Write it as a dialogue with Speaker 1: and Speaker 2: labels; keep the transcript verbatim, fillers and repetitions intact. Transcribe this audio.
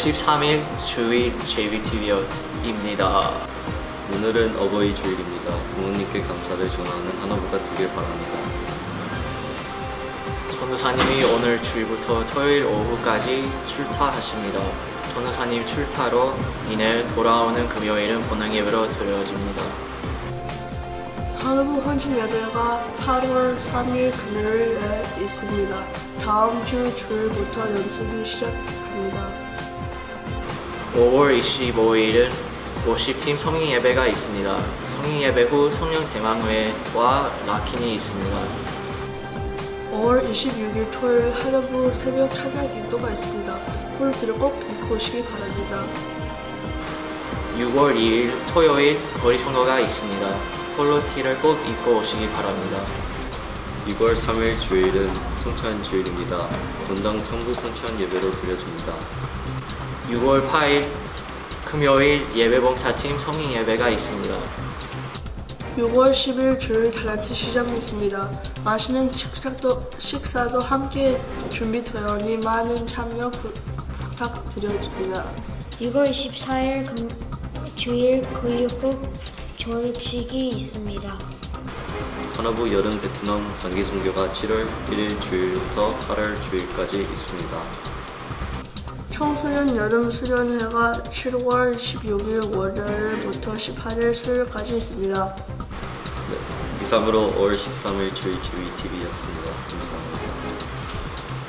Speaker 1: 십삼 일 주일 제이비티비입니다.
Speaker 2: 오늘은 어버이 주일입니다. 부모님께 감사를 전하는 하나보다 되길 바랍니다.
Speaker 1: 전도사님이 오늘 주일부터 토요일 오후까지 출타하십니다. 전도사님 출타로 인해 돌아오는 금요일은 본당 예배로 드려집니다.
Speaker 3: 하루부 헌신 예배가 팔월 삼일 금요일에 있습니다. 다음 주 주일부터 연습이 시작합니다.
Speaker 1: 오월 이십오일은 워십팀 성인 예배가 있습니다. 성인 예배 후 성령 대망회와 락킨이 있습니다.
Speaker 3: 오월 이십육일 토요일 하루부 새벽 찬양 기도가 있습니다. 홀드를 꼭 입고 오시기 바랍니다.
Speaker 1: 유월 이일 토요일 거리 성도가 있습니다. 폴로티를 꼭 입고 오시기 바랍니다.
Speaker 2: 유월 삼일 주일은 성찬 주일입니다. 본당 성부 성찬 예배로 드려집니다.
Speaker 1: 유월 팔일 금요일 예배봉사팀 성인 예배가 있습니다.
Speaker 3: 유월 십일 주일 탤런트 시장이 있습니다. 맛있는 식사도, 식사도 함께 준비되어니 많은 참여 부, 부탁드립니다.
Speaker 4: 유월 이십사일 금, 주일 교육국 졸업식이 있습니다.
Speaker 2: 하나부 여름 베트남 단기 선교가 칠월 일일 주일부터 팔월 주일까지 있습니다.
Speaker 3: 청소년 여름 수련회가 칠월 십육일 월요일부터 십팔일 수요일까지 있습니다.
Speaker 2: 네, 이상으로 오월 십삼일 주일 제이비티비였습니다. 감사합니다.